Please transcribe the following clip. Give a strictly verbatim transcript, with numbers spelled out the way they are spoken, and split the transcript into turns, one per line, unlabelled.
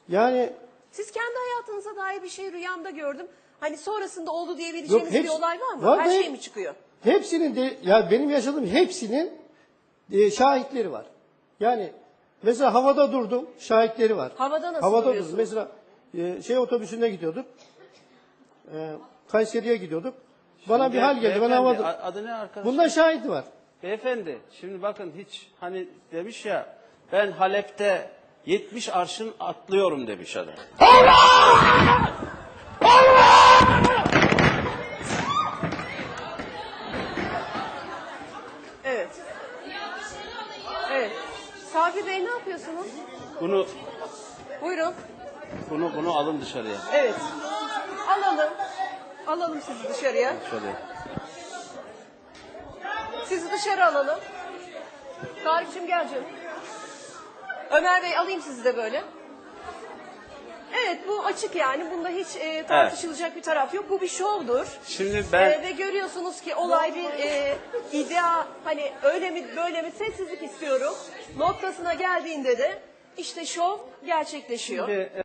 Yani
Siz kendi hayatınıza dair bir şey rüyamda gördüm. Hani sonrasında oldu
Yok,
diyebileceğiniz bir
hepsi-
olay var mı?
var
Her
da
şey
hep-
mi çıkıyor?
hepsinin de ya benim yaşadığım hepsinin e, şahitleri var. Yani mesela havada durdum, şahitleri var.
Havada nasıl
Havada
duruyorsunuz?
durdum. Mesela e, şey otobüsünde gidiyorduk. E, Kayseri'ye gidiyorduk. Bana bir hal geldi. Ben
Beyefendi,
havada.
a- adı ne arkadaş?
Bunda şahit var.
Beyefendi, şimdi bakın hiç hani demiş ya, ben Halep'te yetmiş arşın atlıyorum demiş adam.
Evet. Evet. Sabri Bey ne yapıyorsunuz?
Bunu
Buyurun.
bunu bunu alın dışarıya.
Evet. Alalım. Alalım sizi dışarıya.
Şöyle.
Sizi dışarı alalım. Tarık'cığım gel canım. Ömer Bey alayım sizi de böyle. Evet bu açık yani. Bunda hiç e, tartışılacak bir taraf yok. Bu bir şovdur.
Şimdi ben
E, ve görüyorsunuz ki olay bir e, iddia hani öyle mi böyle mi sessizlik istiyorum noktasına geldiğinde de işte şov gerçekleşiyor.
Şimdi,